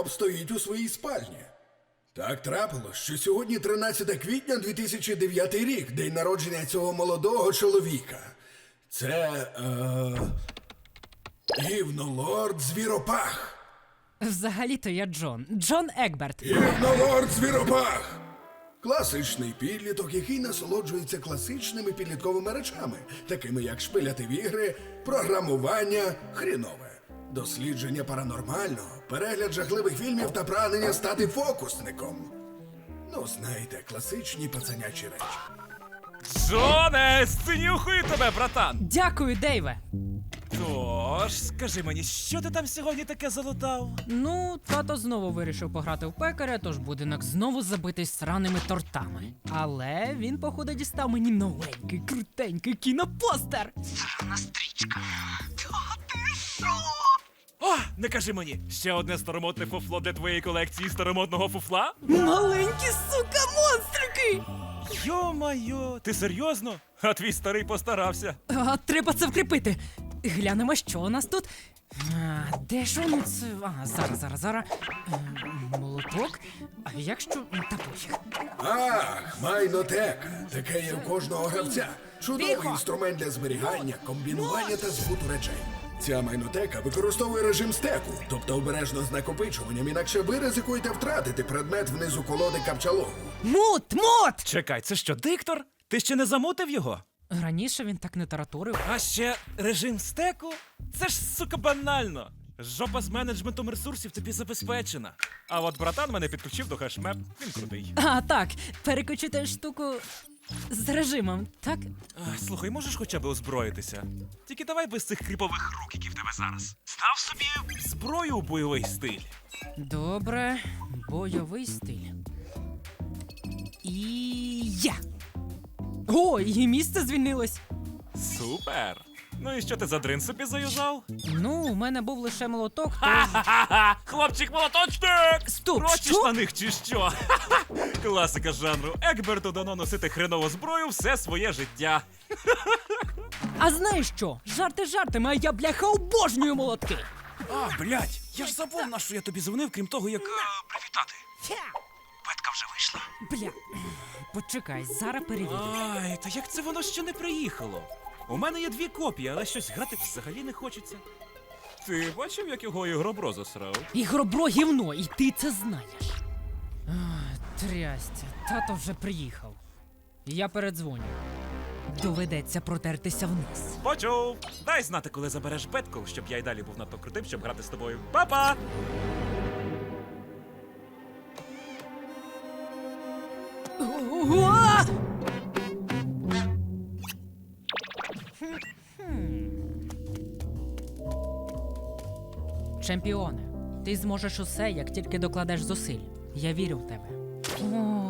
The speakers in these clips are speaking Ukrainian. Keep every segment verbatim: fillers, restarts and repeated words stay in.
гардероб стоїть у своїй спальні. Так трапилось, що сьогодні тринадцяте квітня дві тисячі дев'ятий рік, день народження цього молодого чоловіка. Це, е... Гівнолорд Звіропах. Взагалі-то я Джон. Джон Екберт. Гівнолорд Звіропах! Класичний підліток, який насолоджується класичними підлітковими речами, такими як шпиляти в ігри, програмування, хрінове, дослідження паранормального, перегляд жахливих фільмів та прагнення стати фокусником. Ну, знаєте, класичні пацанячі речі. Джоне, сценюхаю тебе, братан! Дякую, Дейве. Тож, скажи мені, що ти там сьогодні таке залутав? Ну, тато знову вирішив пограти в пекаря, тож будинок знову забитий сраними тортами. Але він, походу, дістав мені новенький, крутенький кінопостер. Срана стрічка. Та ти що? О, не кажи мені, ще одне старомодне фуфло для твоєї колекції старомодного фуфла? Маленькі, сука, монстрики! Йо-майо, ти серйозно? А твій старий постарався. А, треба це вкріпити. Глянемо, що у нас тут. А, де ж воно це? А, зараз, зараз, зараз. Ем, Молоток. А якщо... Та пофіг. Ах, майнотека. Таке є у кожного гравця. Чудовий Тихо! інструмент для зберігання, комбінування та збуту речей. Ця майнотека використовує режим стеку, тобто обережно з накопичуванням, інакше ви ризикуєте втратити предмет внизу колоди капчалогу. Мут! Мут! Чекай, це що, диктор? Ти ще не замутив його? Раніше він так не тараторив. А ще режим стеку? Це ж, сука, банально. Жопа з менеджментом ресурсів тобі забезпечена. А от братан мене підключив до хешмеп, він крутий. А, так, переключити штуку з режимом, так? А, слухай, можеш хоча б озброїтися? Тільки давай без цих кріпових рук, які в тебе зараз. Став собі зброю у бойовий стиль. Добре, бойовий стиль. І я! О, і місце звільнилось. Супер! Ну і що ти за дрин собі заюзав? Ну, у мене був лише молоток, то... Ха-ха-ха! Хлопчик молоточник! Стоп, Прочиш що? на них чи що? Класика жанру. Екберту дано носити хренову зброю все своє життя. А знаєш що? Жарти жартами, а я, бляха, обожнюю молотки. А, блядь, я ж забув, на що я тобі дзвонив, крім того, як... Привітати. Петка вже вийшла. Бля, почекай, зараз перевірю. Ай, та як це воно ще не приїхало? У мене є дві копії, але щось грати взагалі не хочеться. Ти бачив, як його ігробро засрав? Ігробро гівно, і ти це знаєш. А, трястя, тато вже приїхав. Я передзвоню. Доведеться протертися вниз. Почув! Дай знати, коли забереш Петку, щоб я й далі був надто крутим, щоб грати з тобою. Па-па! Уа! Чемпіоне, ти зможеш усе, як тільки докладеш зусиль. Я вірю в тебе. О.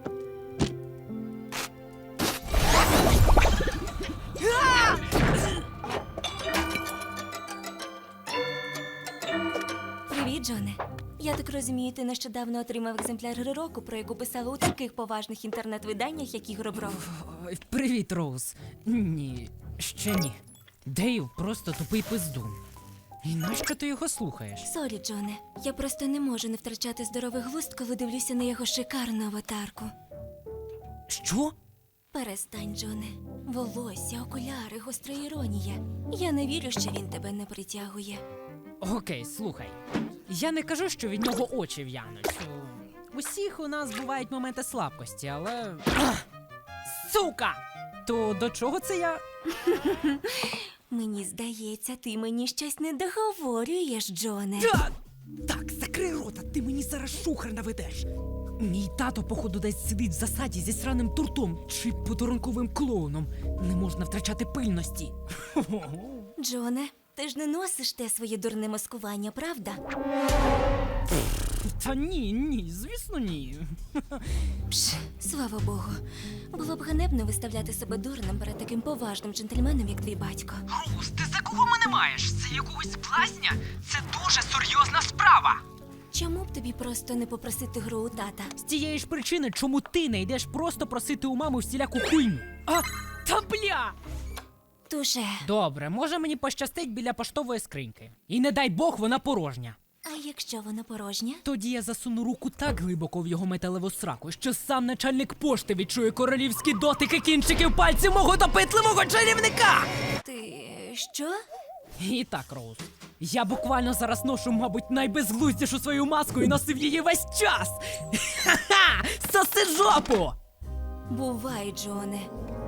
Привіт, Джоне. Я так розумію, ти нещодавно отримав екземпляр гри року, про яку писали у таких поважних інтернет-виданнях, як Ігробро. Ой, привіт, Роуз. Ні, ще ні. Дейв просто тупий пиздун. І нащо ти його слухаєш? Сорі, Джоне. Я просто не можу не втрачати здоровий глузд, коли дивлюся на його шикарну аватарку. Що? Перестань, Джоне. Волосся, окуляри, гостра іронія. Я не вірю, що він тебе не притягує. Окей, слухай. Я не кажу, що від нього очі в'януть. У усіх у нас бувають моменти слабкості, але. Ах! Сука! То до чого це я? Мені здається, ти мені щось не договорюєш, Джоне. Та- Так, закрий рота, ти мені зараз шухер наведеш. Мій тато, походу, десь сидить в засаді зі сраним туртом чи подарунковим клоуном. Не можна втрачати пильності. Джоне, ти ж не носиш те своє дурне маскування, правда? Та ні, ні, звісно, ні. Пш, слава Богу. Було б ганебно виставляти себе дурним перед таким поважним джентльменом, як твій батько. Роуз, ти за кого мене маєш? Це якогось блазня? Це дуже серйозна справа. Чому б тобі просто не попросити гру у тата? З тієї ж причини, чому ти не йдеш просто просити у мами всіляку хуйню. А, та бля! Туше. Добре, може мені пощастить біля поштової скриньки. І не дай Бог, вона порожня. А якщо воно порожнє? Тоді я засуну руку так глибоко в його металеву сраку, що сам начальник пошти відчує королівські дотики кінчиків пальців мого допитливого чарівника! Ти що? І так, Роуз, я буквально зараз ношу, мабуть, найбезглуздішу свою маску і носив її весь час! Ха-ха! Соси жопу! Бувай, Джоне.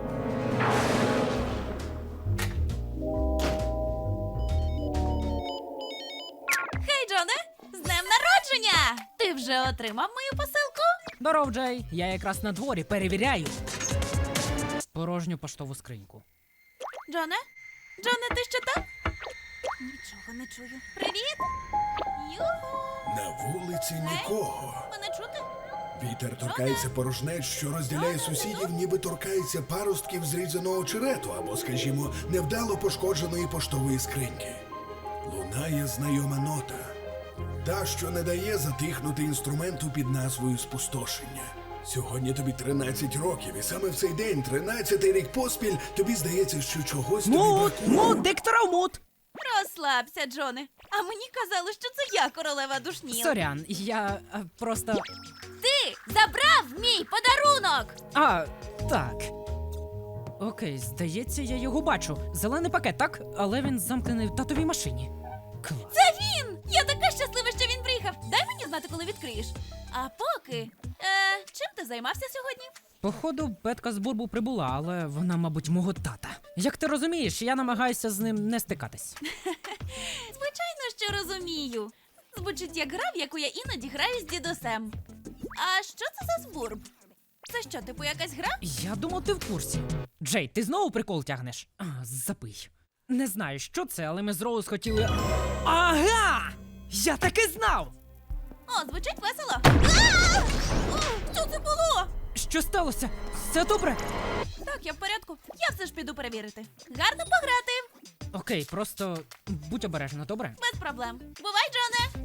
Хей, Джоне! З днем народження! Ти вже отримав мою посилку? Здоров, Джей, я якраз на дворі перевіряю порожню поштову скриньку. Джоне? Джоне, ти ще там? Нічого не чую. Привіт! Юху! На вулиці нікого. Мене чути? Вітер торкається порожнець, що розділяє сусідів, ніби торкається паростків зрізаного очерету або, скажімо, невдало пошкодженої поштової скриньки. Лунає знайома нота. Та, що не дає затихнути інструменту під назвою спустошення. Сьогодні тобі тринадцять років, і саме в цей день, тринадцятий рік поспіль, тобі здається, що чогось тобі Мут! бракує. Мут! Диктора в мут! Розслабся, Джоне. А мені казали, що це я королева душніл. Сорян, я а, просто. Ти забрав мій подарунок! А, так. Окей, здається, я його бачу. Зелений пакет, так? Але він замкнений в татовій машині. Клас. Це він! Я така щаслива, що він приїхав. Дай мені знати, коли відкриєш. А поки. Е, чим ти займався сьогодні? Походу, Петка з Бурбу прибула, але вона, мабуть, мого тата. Як ти розумієш, я намагаюся з ним не стикатись. Звичайно, що розумію. Звучить як гра, в яку я іноді граю з дідусем. А що це за збурб? Це що, типу якась гра? Я думав, ти в курсі. Джей, ти знову прикол тягнеш? А, запий. Не знаю, що це, але ми з Роуз хотіли. Ага! Я таки знав! О, звучить весело. А! О, що це було? Що сталося? Все добре? Так, я в порядку. Я все ж піду перевірити. Гарно пограти. Окей, просто будь обережна, добре? Без проблем. Бувай, Джоне.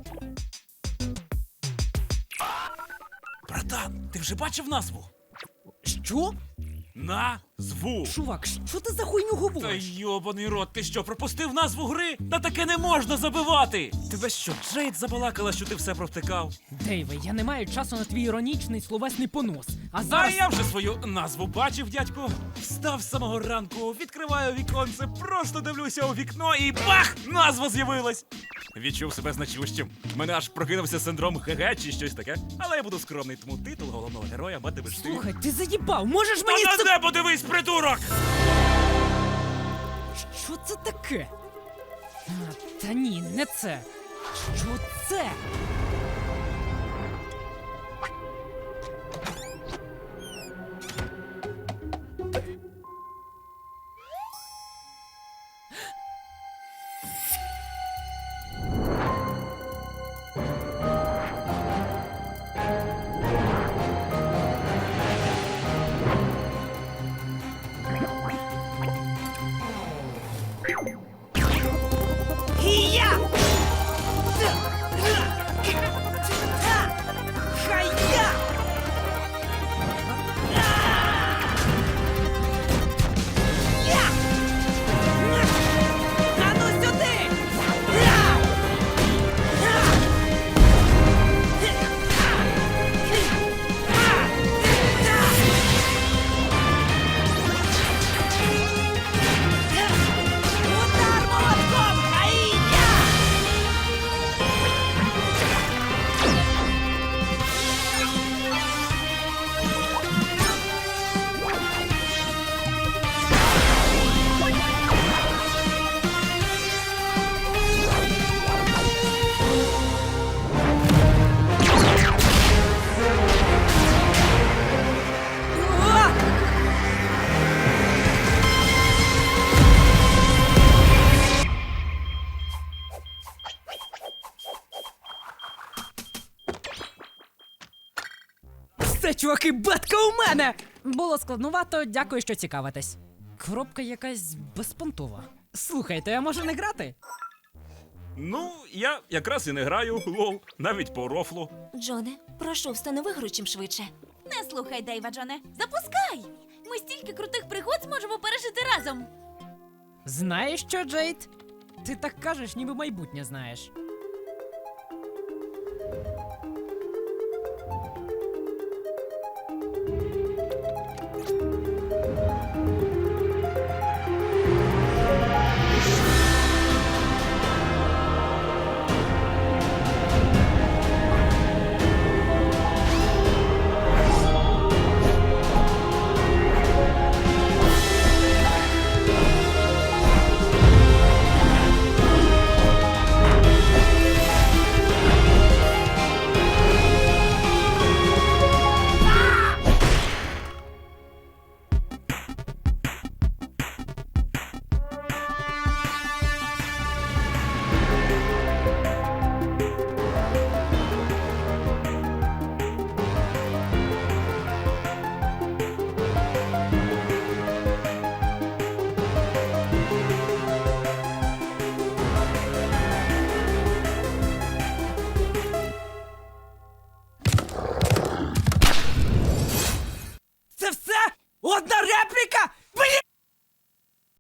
Братан, ти вже бачив назву? Що? Назву! Чувак, що ти за хуйню Та говориш? йобаний рот, ти що, пропустив назву гри? Та таке не можна забивати! Тебе що, Джейд забалакала, що ти все провтикав? Дейве, я не маю часу на твій іронічний словесний понос. А А зараз. я вже свою назву бачив, дядько. Встав з самого ранку, відкриваю віконце, просто дивлюся у вікно і бах! Назва з'явилась! Відчув себе значущим. Мене аж прокинувся синдром ГГ чи щось таке. Але я буду скромний, тому титул головного героя матимеш ти. Слухай, ти заїбав, можеш мені Та це. на небо дивись, придурок! Що це таке? А, та ні, не це. Що це? Хія! Хая! Я! А ну сюди! Удар молотком! Хая! Уа! Все, чуваки, бетка у мене! Було складнувато, дякую, що цікавитесь. Коробка якась безпонтова. Слухайте, а може не грати? Ну, я якраз і не граю, лол, навіть по рофлу. Джоне, прошу, встанови гру чим швидше. Не слухай Дейва, Джоне. Запускай! Ми стільки крутих пригод зможемо пережити разом. Знаєш що, Джейд? Ти так кажеш, ніби майбутнє знаєш.